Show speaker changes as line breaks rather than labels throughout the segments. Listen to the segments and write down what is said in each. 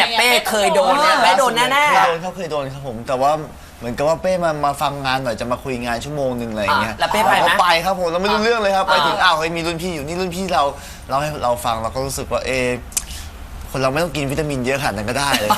เนี่ยเป้เคยโดนเนี่ยเป้โดนแน่ๆ
เคยโดนครับผมแต่ว่าเหมือนกับว่าเป้มาฟังงานหน่อยจะมาคุยงานชั่วโมงนึงอะไรอย่างเงี้ย
แล้วเป้ไปไหม
ไปครับผมเราไม่รู้เรื่องเลยครับไปถึงอ้าวมีรุ่นพี่อยู่นี่รุ่นพี่เราให้เราฟังเราก็รู้สึกว่าคนเราไม่ต้องกินวิตามินเยอะขนาดนั้นก็ได้เลย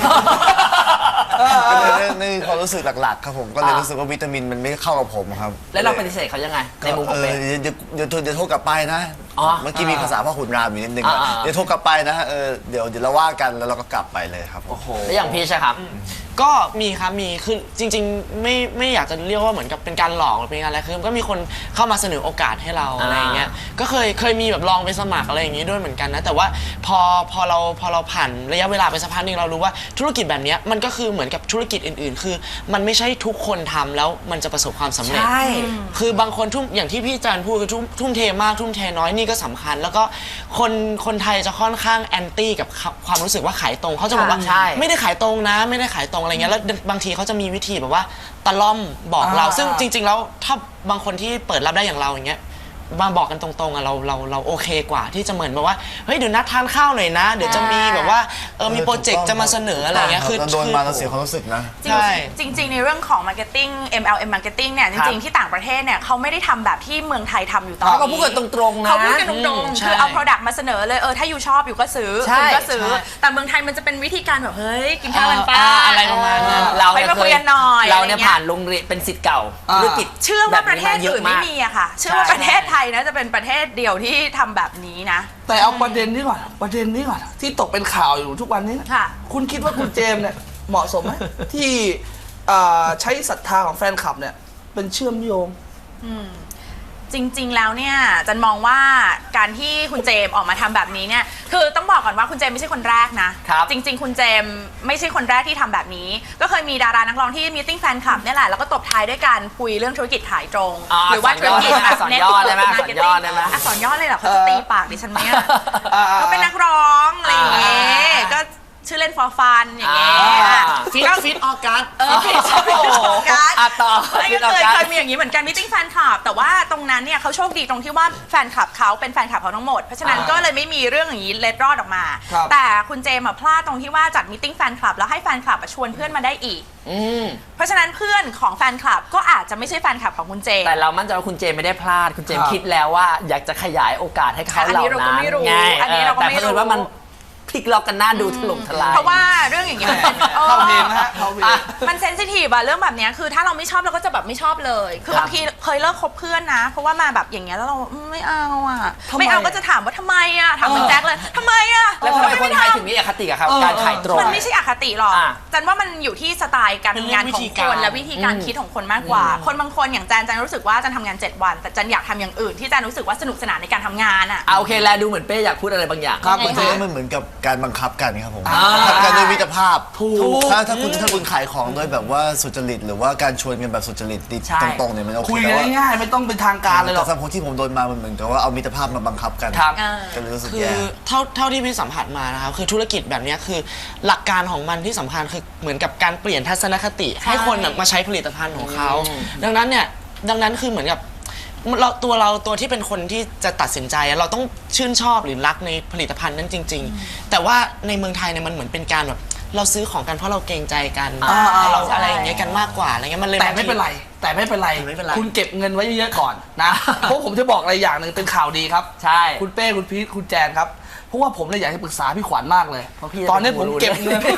นี่ความรู้สึกหลักๆครับผมก็เลยรู้สึกว่าวิตามินมันไม่เข้ากับผมครับ
แล้วเราปฏิเสธเขายังไงในมุมของเป้
เดี๋ยวโทรกลับไปนะเมื่อกี้มีภาษาพ่อขุนรามอยู่นิดนึงเดี๋ยวโทรกลับไปนะเดี๋ยวเราว่ากันแล้วเราก็กลับไปเลยครับ
แล้วอย่างพีชครับ
ก็มีครับมีคือจริงๆไม่อยากจะเรียกว่าเหมือนกับเป็นการหลอกหรือเป็นอะไรคือก็มีคนเข้ามาเสนอโอกาสให้เราอะไรอย่างเงี้ยก็เคยมีแบบลองไปสมัครอะไรอย่างงี้ด้วยเหมือนกันนะแต่ว่าพอเราผ่านระยะเวลาไปสักพักนึงเรารู้ว่าธุรกิจแบบนี้มันก็คือเหมือนกับธุรกิจอื่นๆคือมันไม่ใช่ทุกคนทำแล้วมันจะประสบความสำเร็จคือบางคนอย่างที่พี่จันพูดคือทุ่มเทมากทุ่มเทน้อยนี่ก็สำคัญแล้วก็คนไทยจะค่อนข้างแอนตี้กับความรู้สึกว่าขายตรงเขาจะบอกว่าไม่ได้ขายตรงนะไม่ได้ขายตรงอะไรเงี้ยแล้วบางทีเขาจะมีวิธีแบบว่าตะล่อมบอกเราซึ่งจริงๆแล้วถ้าบางคนที่เปิดรับได้อย่างเราอย่างเงี้ยมาบอกกันตรงๆอะเราโอเคกว่าที่จะเหมือนแบบว่าเฮ้ยเดี๋ยวนัดทานข้าวหน่อยนะเดี๋ยวจะมีแบบว่ามีโปรเจกต์จะมาเสนออะไรเงี้ยคือ
โดนมาเราเสียความรู้สึกนะ
ใช่จริงๆในเรื่องของ marketing MLM marketing เนี่ยจริงๆที่ต่างประเทศเนี่ยเขาไม่ได้ทำแบบที่เมืองไทยทำอยู่ตอนนี้
เขาพูดกันตรงๆนะ
เขาพูดกันตรงๆคือเอา product มาเสนอเลยถ้าอยู่ชอบอยู่ก็ซื้อคุณก็ซื้อแต่เมืองไทยมันจะเป็นวิธีการแบบเฮ้ยกินข้าวกันป้า
อะไรประมาณนั้น
เรา
ไปคุยกันหน่อย
เราเนี่ยผ่านโรงเรียนเป็นศิษย์เก่าธุรกิจ
เชื่อว่าประเทศอื่นไม่มีอะค่ะเชื่อว่าประเทศไทยนะจะเป็นประเทศเดียวที่ทำแบบนี้นะ
แต่เอาประเด็นนี้ก่อนที่ตกเป็นข่าวอยู่ทุกวันนี้คุณคิดว่าคุณเจมส์เนี่ยเหมาะสมไหมที่ใช้ศรัทธาของแฟนคลับเนี่ยเป็นเชื่อมโยง
จริงๆแล้วเนี่ยจันมองว่าการที่คุณเจมออกมาทำแบบนี้เนี่ยคือต้องบอกก่อนว่าคุณเจมไม่ใช่คนแรกนะจริงๆคุณเจมไม่ใช่คนแรกที่ทำแบบนี้ก็เคยมีดารานักร้องที่มีติ้งแฟนคลับเนี่ยแหละแล้วก็ตบท้ายด้วยการคุยเรื่องธุรกิจขายตรงหรือว่าธุรกิจแบบเน็ตอักษรย่อเลยเหรอเขาจะตีปากดิฉันไหมก็เป็นนักร้องอะไรอย่างเงี้ยก็ชื่อเล่น for fun อย่างเงี้ย
ฟิตออกัส
ฟิตออกัส
ต่อ
เคยมีอย่างนี้เหมือนกันมิติ้งแฟนคลับแต่ว่าตรงนั้นเนี่ยเขาโชคดีตรงที่ว่าแฟนคลับเขาเป็นแฟนคลับเขาทั้งหมดเพราะฉะนั้นก็เลยไม่มีเรื่องอย่างนี้เล็ดรอดออกมาแต่คุณเจมพลาดตรงที่ว่าจัดมิติ้งแฟนคลับแล้วให้แฟนคลับชวนเพื่อนมาได้อีกเพราะฉะนั้นเพื่อนของแฟนคลับก็อาจจะไม่ใช่แฟนคลับของคุณเจม
แต่เรามั่นใจว่าคุณเจมไม่ได้พลาดคุณเจมคิดแล้วว่าอยากจะขยายโอกาสให้เขาเหล่านั้นไงแต่เพราะว่ามันพลิกล็อกกันหน้าดูถล่มทลาย
เพราะว่าเรื่องอย่างเงี้ยมัน
เข้าเพลงนะฮะ
มันเซนซิทีฟอะเรื่องแบบเนี้ยคือถ้าเราไม่ชอบเราก็จะแบบไม่ชอบเลยคือบางทีเคยเลิกคบเพื่อนนะเพราะว่ามาแบบอย่างเงี้ยแล้วเราไม่เอาอะไม่เอาก็จะถามว่าทำไมอะถามคุณแจ็คเลยทำไมอะ
แล้วทำไมคนไทยถึงมีอคติกับการขายตรง
มันไม่ใช่อคติหรอกจันว่ามันอยู่ที่สไตล์การทำงานของคนและวิธีการคิดของคนมากกว่าคนบางคนอย่างจันรู้สึกว่าจันทำงาน7 วันแต่จันอยากทำอย่างอื่นที่จันรู้สึกว่าสนุกสนานในการทำงานอะ
โอเคแล้วดูเหมือนเป้อยากพูดอะไรบางอย่าง
ครับมันเหมือนกับการบังคับกันครับผมทำกันด้วยมิตรภาพถ้าคุณขายของด้วยแบบว่าสุจริตหรือว่าการชวนกันแบบสุจริตตรงๆเนี่ยมันโอเค
คุยง่ายๆไม่ต้องเป็นทางการเลยหรอก
แต่สำหรับคนที่ผมโดนมามันเหมือนกับว่าเอามิตรภาพมาบังคับกันก็เลยรู้สึกแย่
คือเท่าที่พี่สัมผัสมานะครับคือธุรกิจแบบนี้คือหลักการของมันที่สำคัญคือเหมือนกับการเปลี่ยนทัศนคติให้คนมาใช้ผลิตภัณฑ์ของเขาดังนั้นคือเหมือนกับตัวที่เป็นคนที่จะตัดสินใจเราต้องชื่นชอบหรือรักในผลิตภัณฑ์นั้นจริงๆแต่ว่าในเมืองไทยเนี่ยมันเหมือนเป็นการแบบเราซื้อของกันเพราะเราเกรงใจกันเราอะไรอย่างเงี้ยกันมากกว่าอะไรเงี้ยมันเลย
แต่ไม่เป็นไรคุณเก็บเงินไว้เยอะๆก่อนนะเพราะผมจะบอกอะไรอย่างหนึ่งเป็นข่าวดีครับ
ใช่
คุณเป้คุณพีทคุณแจนครับเพราะว่าผมเลยอยากให้ปรึกษาพี่ขวัญมากเลยตอนนี้ผมเก็บเงิน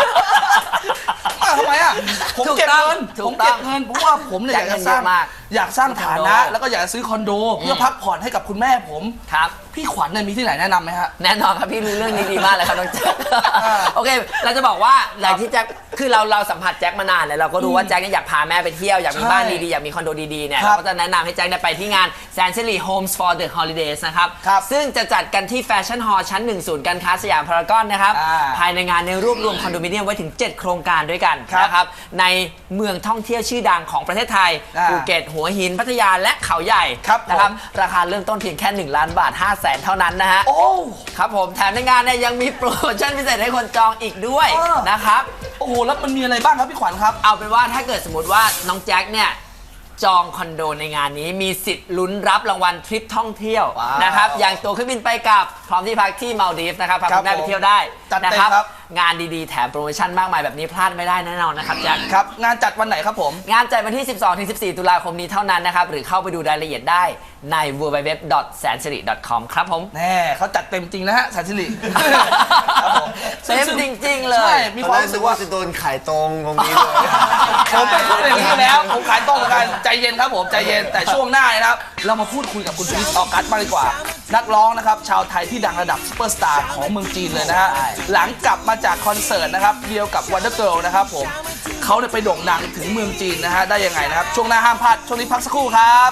ทำไมอ่ะผมเก็บเงินเพราะว่าผมเนี่ยอยากสร้างฐานะแล้วก็อยากซื้อคอนโดเพื่อพักผ่อนให้กับคุณแม่ผม
ครับ
พี่ขวัญเนี่ยมีที่ไหนแนะนำไหมฮะ
แน่นอนครับพี่รู้เรื่องนี้ดีมากเลยครับน้องแจ็คโอเคเราจะบอกว่าหลังที่แจ็คคือเราสัมผัสแจ็คมานานเลยเราก็รู้ว่าแจ็คอยากพาแม่ไปเที่ยวอยากมีบ้านดีๆอยากมีคอนโดดีๆเนี่ยเราก็จะแนะนำให้แจ็คไปที่งาน Sanctuary Homes for the Holidays นะครับซึ่งจะจัดกันที่แฟชั่นฮอลล์ชั้น1ศูนย์การค้าสยามพารากอนนะครับภายในงานในรวบรวมคอนโดมิเนียมไว้ถึง7โครงการด้วยกันนะครับในเมืองท่องเที่ยวชื่อดังของประเทศไทยภูเก็ตหัวหินพัทยาและเขาใหญ่นะครับราคาเริ่มต้นเพียงแค่1 ล้านบาท500,000เท่านั้นนะฮะ
โอ้
ครับผมแถมในงานเนี่ยยังมีโปรโมชั่นพิเศษให้คนจองอีกด้วยนะครับ
โอ้โหแล้วมันมีอะไรบ้างครับพี่ขวัญครับ
เอาเป็นว่าถ้าเกิดสมมติว่าน้องแจ็คเนี่ยจองคอนโดในงานนี้มีสิทธิ์ลุ้นรับรางวัลทริปท่องเที่ยวนะครับอย่างตั๋วเครื่องบินไปกลับพร้อมที่พักที่มาลดีฟส์นะครับพาคุณแม่ไปเที่ยวได้
จัดเต็ม
นะครับงานดีๆแถมโปรโมชั่นมากมายแบบนี้พลาดไม่ได้แน่นอนนะครับแจ็ค
ครับงานจัดวันไหนครับผม
งานจัดวันที่ 12-14 ตุลาคมนี้เท่านั้นนะครับหรือเข้าไปดูรายละเอียดได้ใน www.sansiri.com ครับผม
แน่เขาจัดเต็มจริงนะฮะสันสิริครับผม
เต็มจริงๆเลย
ใช่มีความ
ตอนแรก
รู้สึ
นึ
ก
ก
ว่า
ว่าจะโดนขายตรงตรงนี้เลย
ผมเป็นคนอย่างนี้อยู่แล้ว ผมขายตรงเหมือนกัน ใจเย็นครับผม ใจเย็น แต่ช่วงหน้านะครับ เรามาพูดคุยกับคุณพีชออกัสมากดีกว่า นักร้องนะครับ ชาวไทยที่ดังระดับซุปเปอร์สตาร์ของเมืองจีนเลยนะฮะ หลังกลับมาจากคอนเสิร์ตนะครับ เดียวกับ Wonder Girl นะครับผม เขาเนี่ยไปโด่งดังถึงเมืองจีนนะฮะ ได้ยังไงนะครับ ช่วงหน้าห้ามพลาด ช่วงนี้พักสักครู่ครับ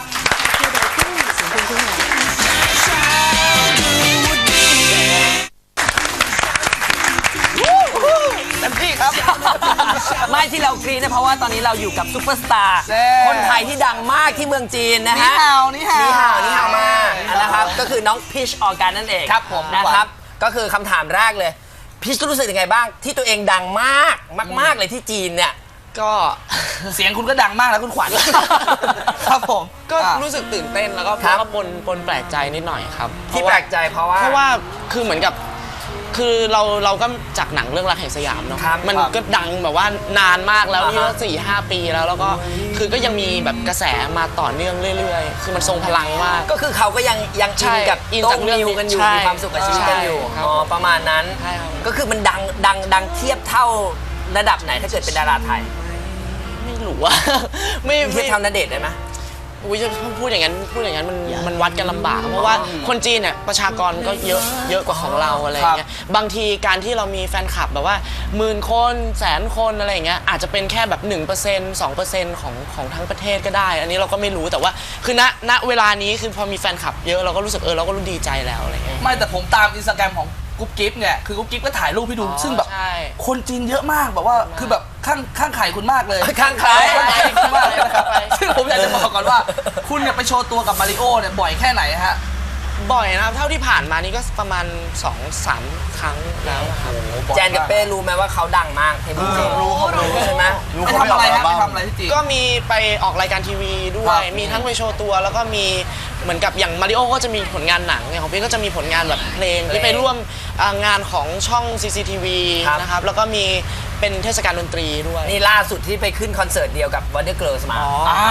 เต็มที่ครับ
ไม่ที่เรากรี๊ดนะเพราะว่าตอนนี้เราอยู่กับซุปเปอร์สตาร์
แน่
คนไทยที่ดังมากที่เมืองจีนนะ
นี่
ฮะ
ฮาวนี่ฮาว
นี่ฮาวมากนะครับก็คือน้องพิชออร์แกนนั่นเอง
ครับผม
นะครับก็คือคำถามแรกเลยพิชรู้สึกยังไงบ้างที่ตัวเองดังมากมากๆเลยที่จีนเนี่ย
ก็
เสียงคุณก็ดังมากแล้วคุณขวัญ ครับผม
ก็
อ่ะ
รู้สึกตื่นเต้นแล้วก็
ครับ
ปนแปลกใจนิดหน่อยครับ
ที่แปลกใจเพราะว่า
เพราะว่าคือเหมือนกับคือเราก็จากหนังเรื่องรักแห่งสยามเนาะ
ครับ
มัน
ครับ
ก็ดังแบบว่านานมากแล้วนี่ก็4-5 ปีแล้วก็คือก็ยังมีแบบกระแสมาต่อเนื่องเรื่อยๆ คือมันทรงพลังมาก
ก็คือเขาก็ยังอิน
ใช่
กับ
อิน
โต้
จาก
ง
เรื่อง
มิวกันอยู่
ใช่
มีความสุขกับชีวิตกันอยู่
ใช่ครับ
อ๋อประมาณนั้น
ใช่ครับ
ก็คือมันดังเทียบเท่าระดับไหนถ้าเกิดเป็นดาราไทย
ไม่รู้ว่า ไม่
เทียบเท่าณเดชน์ได้ไหม
อุ้ยจะพูดอย่างนั้นมันวัดกันลำบากเพราะว่าคนจีนเนี่ยประชากรก็เยอะกว่าของเราอะไรอย่างเงี้ยบางทีการที่เรามีแฟนคลับแบบว่า10,000 คน100,000 คนอะไรอย่างเงี้ยอาจจะเป็นแค่แบบ 1% 2% ของทั้งประเทศก็ได้ อันนี้เราก็ไม่รู้แต่ว่าคือณเวลานี้คือพอมีแฟนคลับเยอะเราก็รู้สึกเราก็รู้ดีใจแล้วอะไรเงี้ย
ไม่แต่ผมตามอินสตาแกรมของกุ๊บกิ๊บเนี่ยคือกุ๊บกิ๊บก็ถ่ายรูปให้ดู ซึ่งแบบ
ใช่
คนจีนเยอะมากแบบว่าคือแบบข้างไข่คุณมากเลย
ข้างไข่
ข้างไข่คุณมากเลยนะครับซึ่งผมอยากจะบอกก่อนว่า คุณเนี่ยไปโชว์ตัวกับมาริโอเนี่ยบ่อยแค่ไหนฮะ
บ่อยนะครับเท่าที่ผ่านมานี่ก็ประมาณ 2-3 ครั้งแล้วครับ
แจนกับเป้รู้ไหมว่าเขาดังมากที่เมืองจีนรู้ใช่ไหม
รู้
ไป
เขา
ทำอะไร
ม่
ฮะ
ก
ไป
บ้าง
ทำอะไรที่จีน
ก็มีไปออกรายการทีวีด้ว
ครั
ย
บ
มีทั้งไปโชว์ตัวแล้วก็มีเหมือนกับอย่างมาริโอก็จะมีผลงานหนังอย่างของพี่ก็จะมีผลงานแบบเพลงที่ไปร่วมงานของช่อง CCTV นะครับแล้วก็มีเป็นเทศกาลดนตรีด้วย
นี่ล่าสุดที่ไปขึ้นคอนเสิร์ตเดียวกับ Wonder Girls มา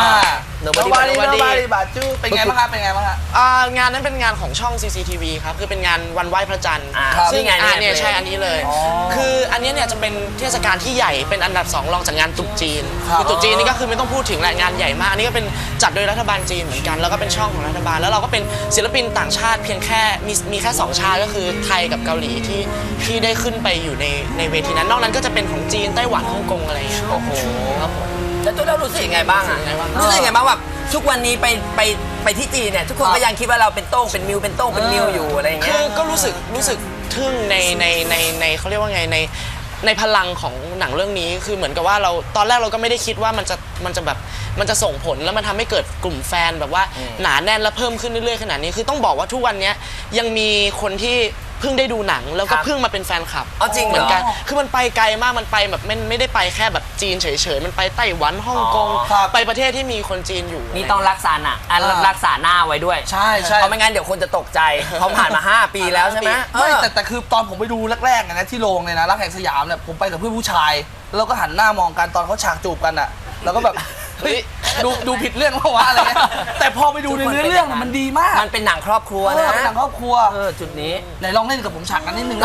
Nobody บาจูเป็นไงบ้างครับเป็นไงบ้างฮะ
งานนั้นเป็นงานของช่อง CCTV ครับคือเป็นงานวันไหว้พระจันทร์
ครับ
ซึ่ง
นี่ไง
เนี่ยใช่อันนี้เลย คืออันนี้เนี่ยจะเป็นเทศกาลที่ใหญ่เป็นอันดับ2รองจากงานตรุษจีน
ครับ
คือตรุษจีนนี่ก็คือไม่ต้องพูดถึงแหละงานใหญ่มากอันนี้ก็เป็นจัดโดยรัฐบาลจีนเหมือนกันแล้วก็เป็นช่องของรัฐบาลแล้วเราก็เป็นศิลปินต่างชาติเพียงแค่มีแค่2ชาติก็คือไทยกับเกาหลีที่ได้ขึ้นไปอยู่ในเวทีนั้นนอกนั้นก็จะเป็นของจีนไต้หวันฮ่องกงอะไรอย่างเงี้ย
โอ้โห
ครับผม
แล้วตัวเรารู้สึกยังไงบ้างอ่ะรู้สึกยังไงบ้างแบบทุกวันนี้ไปที่จีนเนี่ยทุกคนก็ยังคิดว่าเราเป็นโต้งเป็นมิวเป็นโต้งเป็นมิวอยู่อะไรอย่างเงี้
คื
ย
อก็รู้สึกทึ่งในเขาเรียกว่าไงในพลังของหนังเรื่องนี้คือเหมือนกับว่าเราตอนแรกเราก็ไม่ได้คิดว่ามันจะส่งผลแล้วมันทำให้เกิดกลุ่มแฟนแบบว่าหนาแน่นและเพิ่มขึ้นเรื่อยๆขนาดนี้คือต้องบอกว่าทุกวันนี้ยังมีคนที่เพิ่งได้ดูหนังแล้วก็เพิ่งมาเป็นแฟนคลับ
เอาจริงเหรอ
เหมือนกันคือมันไปไกลมากมันไปแบบไม่ได้ไปแค่แบบจีนเฉยๆมันไปไต้หวันฮ่องกง
ครับ
ไปประเทศที่มีคนจีนอยู่
นี่ต้องรักษารักษาหน้าไว้ด้วย
ใช่ใช่
เพราะไม่งั้นเดี๋ยวคนจะตกใจเพราะผ่านมา 5 ปีแล้วใช่ไหม
ไม่แต่คือตอนผมไปดูแรกๆนะที่โรงเลยนะรักแห่งสยามเนี่ยผมไปกับเพื่อนผู้ชายแล้วเราก็หันหน้ามองกันตอนเขาฉากจูบกันอ่ะแล้วก็แบบเฮ้ยดูผิดเรื่องเพราะว่าอะไรเงี้ยแต่พอไปดูในเนื้อเรื่องมันดีมาก
มันเป็นหนังครอบครัว
เอ
นะ
อเป็นหนังครอบครัว
จุดนี้
ไหนลองเล่นกับผมฉากนั้นนิดนึง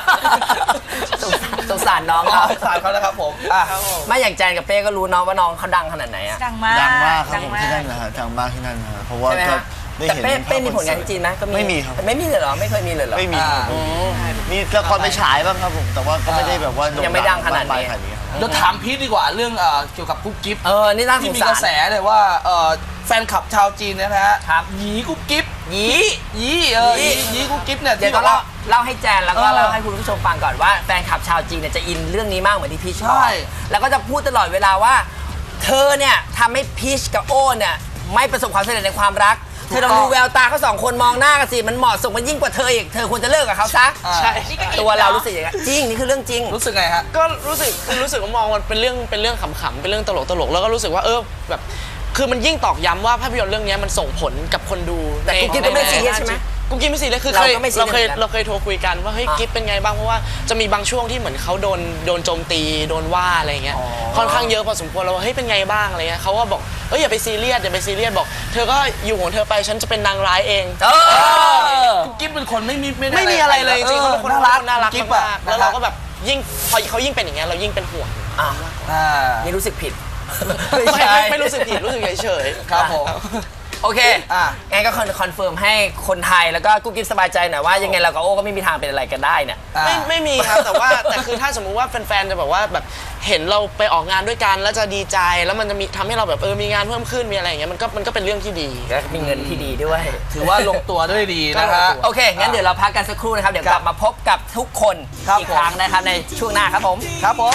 สงสารน้อง
เอา
เขา
สารเขานะครับผมอ่ะ
ไม่อย่างแจนกับเป้ก็รู้เน้องว่าน้องเขาดังขนาดไหนอะ
ดังมาก
ดังมากครับ
ดั
ผม
มาก
ที่นั่นนะฮะดังมากที่นั่นนะฮะเพราะว่า
ใช่ไหม
ก็
ฮะ
ได้
แต่
เห็น
เป้มีผลงานที่จีนไหมก็
ไม่มีครับ
ไม่มีเลยเหรอไม่เคยมีเลยเหรอ
ไม่มี
อ่า
มีละครไปฉายบ้างครับผมแต่ว่าก็ไม่ได้แบบว่าโ
ยังไม่ดังขนาดนี้
มกมยขนาดนี้ครับ
เดี๋ยวถามพีทดีกว่าเรื่องเกี่ยวกับกุ๊บกิ๊บ
นี่น่าส
ที่
ง
มี
สาก
ระแส
ร
เลยว่าแฟนคลับชาวจีนเนยนะฮะ
ครับ
หยีกุ๊บกิ๊บ
ยี
หยี
หยี
หยีกุ๊บกิ๊บเนี่ย
เดี๋ยว
ที่
ต้อง
บอกว่า
เล่าให้แจนแล้วก็
เออ
เล่าให้คุณผู้ชมฟังก่อนว่าแฟนคลับชาวจีนเนี่ยจะอินเรื่องนี้มากเหมือนที่พีชบอ
ใช่
กแล้วก็จะพูดตลอดเวลาว่า เธอเนี่ยทำให้พีชกับโอ้เนี่ยไม่ประสบความสำเร็จในความรัก เธอลองดูแววตาเขาสองคนมองหน้ากันสิมันเหมาะสมมันยิ่งกว่าเธออีกเธอควรจะเลิกกับเขาซะ
อ่า
ใช่
ตัวเรารู้สึกอย่างนั้นจริงนี่คือเรื่องจริง
รู้สึกไงฮะ
ก็รู้สึกว่ามองมันเป็นเรื่องขำๆเป็นเรื่องตลกแล้วก็รู้สึกว่าแบบคือมันยิ่งตอกย้ำว่าภาพยนตร์เรื่องนี้มันส่งผลกับคนดู
แต่กุ๊กกิ๊บก็ไม่ซีเรียสใช่ไหม
กุ๊กกิ๊บไม่ซีเรียสคือ
เราก็ไม่ซีเรียส
เราเคยโทรคุยกันว่าเฮ้ยกิ๊บเป็นไงบ้างเพราะว่าจะมีบางช่วงที่เหมือนเขาโดนโจมตีโดนว่าอะไรเงี้ยค่อนข้างเยอะพอสมควรเราว่าเฮ้ยเป็นไงบ้างอะไรเงี้ยเขาก็บอกเฮ้ยอย่าไปซีเรียสบอกเธอก็อยู่ของเธอไปฉันจะเป็นนางร้ายเอง
กิ๊บเป็นคนไม่
มีอะไรเลยจริงๆเขาเป็นคนน่ารัก
กิ๊บ
มากๆแล้วเราก็แบบยิ่งพอเขายิ่งเป็นอย่างเงี้ยเรายิ่งเป็นห่วง
นี่รู้สึกผิด
ไม่รู้สึกผิดรู้สึกเฉยๆ
ครับผม
โอเคงั้นก็คอนเฟิร์มให้คนไทยแล้วก็กุ๊กกิ๊บสบายใจหน่อยว่ายังไงเรากับโอ้ก็ไม่มีทางเป็นอะไรกันได้เนี่ย
ไม่มีครับแต่คือถ้าสมมุติว่าแฟนๆจะแบบว่าแบบเห็นเราไปออกงานด้วยกันแล้วจะดีใจแล้วมันจะมีทำให้เราแบบมีงานเพิ่มขึ้นมีอะไรอย่างเงี้ยมันก็เป็นเรื่องที่ดี
ก็มีเงินที่ดีด้วย
ถือว่าลงตัวด้วยดีนะฮะ
โอเค งั้นเดี๋ยวเราพักกันสักครู่นะครับ เดี๋ยวกลับมาพบกับทุกคน
ครับ
อีกครั้งนะครับในช่วงหน้าครับผม
ครับผม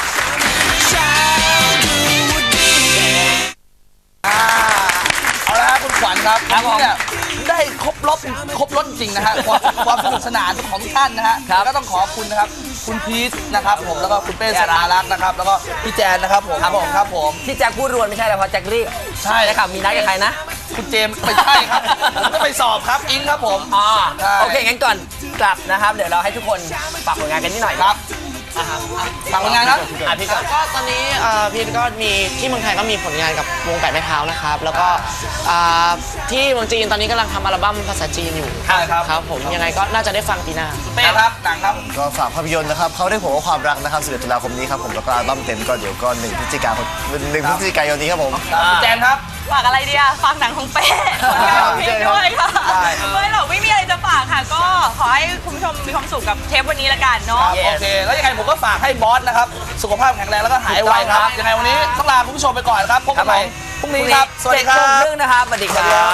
เอาละครับคุณขวัญครับ
ครับผม
วันนี้เนี่ยได้ครบรถจริงนะฮะความสนุกสนานของท่านนะฮะ
ครับ
แล้วก็ต้องขอบคุณนะครับคุณพีทนะครับผมแล้วก็คุณเป้สรารักษ์นะครับแล้วก็พี่แจนนะครับผม ครับผม
ที่แจ็คพูดรวนไม่ใช่แล้วเพราะแจ็ครีบ
ใช่
นะครับมีนัดกับใครนะ
คุณเจมส์ไม่ใช่ครับผมต้องไปสอบครับอิงครับผม
อ๋อ
ใช่
โอเค งั้นก่อนกลับนะครับ เดี๋ยวเราให้ทุกคนฝากผลงานกันนิดหน่อย
ครับฝากผลงานครับ
พี่ก่อน
ก็ตอนนี้พีทก็มีที่เมืองไทยก็มีผลงานกับวงแปดไม้เท้านะครับแล้วก็ที่เมืองจีนตอนนี้กำลังทำอัลบั้มภาษาจีนอยู่
ใช่ครับ
ครับผมยังไไงก็น่าจะได้ฟังปีหน้า
เป้ครับหนังครับ
ก็ฝากภาพยนตร์นะครับเขาได้ผมว่าความรักนะครับ11ตุลาคมนี้ครับผมแล้วก็อัลบั้มเต็มก็เดี๋ยวก็1 พฤศจิกายนนี้ครับผม
คุณแจนครับ
ฝากอะไรดีอะฝากหนังของเป้ผลงานของเพลงด้วยค่ะ
ได้
ไม่หรอกไม่มีอะไรจะฝากค่ะ ก็ขอให้คุณผู้ชมมีความสุขกับเทปวันนี้ละกันเนาะ
โอเค แล้วยังไงผมก็ฝากให้บอสนะครับ สุขภาพแข็งแรงแล้วก็หายไวครับ ยังไงวันนี้ต้องลาคุณผู้ชมไปก่อนนะครับ พบกันใหม่พรุ่งนี้ครับ สวัสดีครั
7 โมง
บ
ครึ่งนะครับ สวัสดีครับ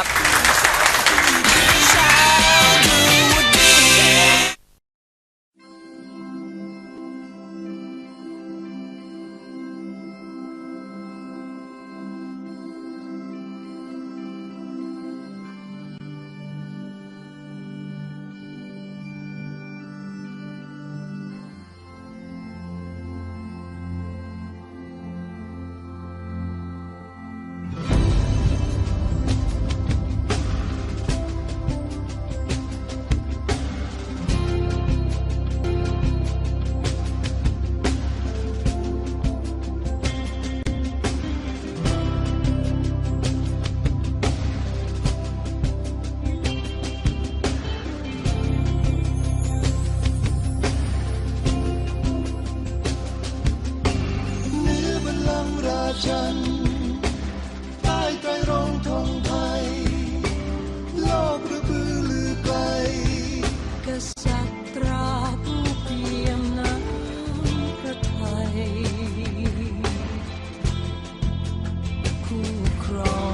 เหนือบัลลังก์ราชันใต้ไตรรงค์ธงไทยโลกระบือลือไกลกษัตราผู้เปี่ยมน้ำพระทัยคู่ครอง